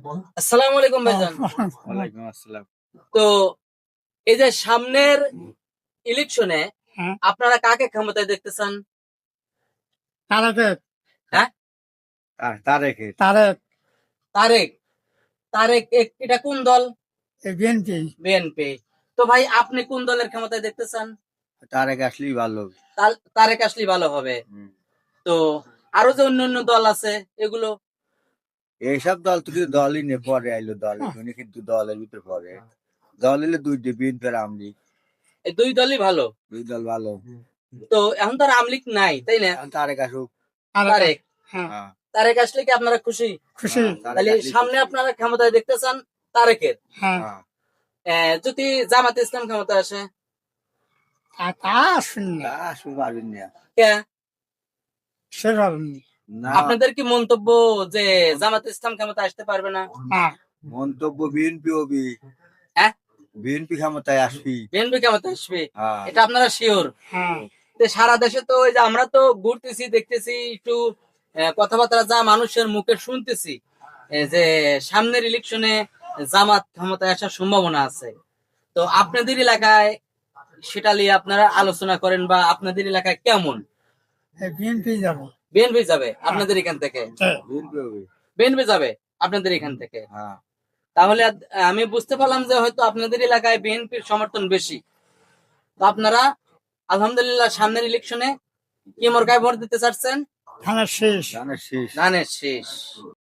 আসসালামু আলাইকুম ভাইজান। ওয়ালাইকুম আসসালাম। তো এই যে সামনের ইলেকশনে হ্যাঁ, আপনারা কাকে ক্ষমতায় দেখতে চান? তারেক হ্যাঁ, তারেকের তারেক তারেক। তারেক এটা কোন দল? বিএনপি। বিএনপি। তো ভাই আপনি কোন দলের ক্ষমতায় দেখতে চান? তারেক আসলেই ভালো। তারেক আসলে ভালো হবে। হুম। তো আরো যে অন্যান্য দল আছে এগুলো এইসব দল তো কিন্তু দলই নিয়ে পরে আইলো দল উনি কিন্তু দলের ভিতরে পরে দল এলে দুইটি বিএনপি আর আওয়ামী লীগ এই দুই দলই ভালো। দুই দল ভালো। তো এখন তো আর আওয়ামী লীগ নাই, তাই না? এখন তারেক আসুক। তারেক। হ্যাঁ, হ্যাঁ, তারেক আসলে কি আপনারা খুশি? খুশি। তারেক তাহলে আসলেই সামনে খুশি। আপনারা ক্ষমতায় দেখতে চান তারেকের। হ্যাঁ, হ্যাঁ, যদি জামাত ইসলাম ক্ষমতায় আসে? তা শুনি তা আসুক পারবেন না। কে? সে পারেননি। না, আপনাদের কি মন্তব্য যে জামাত ইসলাম ক্ষমতা আসতে পারবে না? হ্যাঁ, মন্তব্য বিএনপি হবি, হ্যাঁ, বিএনপি ক্ষমতায় আসবি। বিএনপি ক্ষমতা আসবে, হ্যাঁ, এটা আপনারা শিওর? হ্যাঁ, সারা দেশে তো ওই যে আমরা তো ঘুরতেছি, দেখতেছি একটু কথাবার্তা যা মানুষের মুখে শুনতেছি, যে সামনের ইলেকশনে জামাত ক্ষমতায় আসার সম্ভাবনা আছে। তো আপনাদের এলাকায় সেটা নিয়ে আপনারা আলোচনা করেন বা আপনাদের এলাকায় কেমন? বিএনপি যাব। বিএনপি যাবে আপনাদের এখান থেকে? বিএনপি হবি। বিএনপি যাবে আপনাদের এখান থেকে? হ্যাঁ, তাহলে আমি বুঝতে পারলাম যে হয়তো আপনাদের এলাকায় বিএনপির সমর্থন বেশি। তো আপনারা আলহামদুলিল্লাহ সামনের ইলেকশনে কি মার্কায় ভোট দিতে চাচ্ছেন? ধানের শেষ। ধানের শীষ। ধানের শীষ।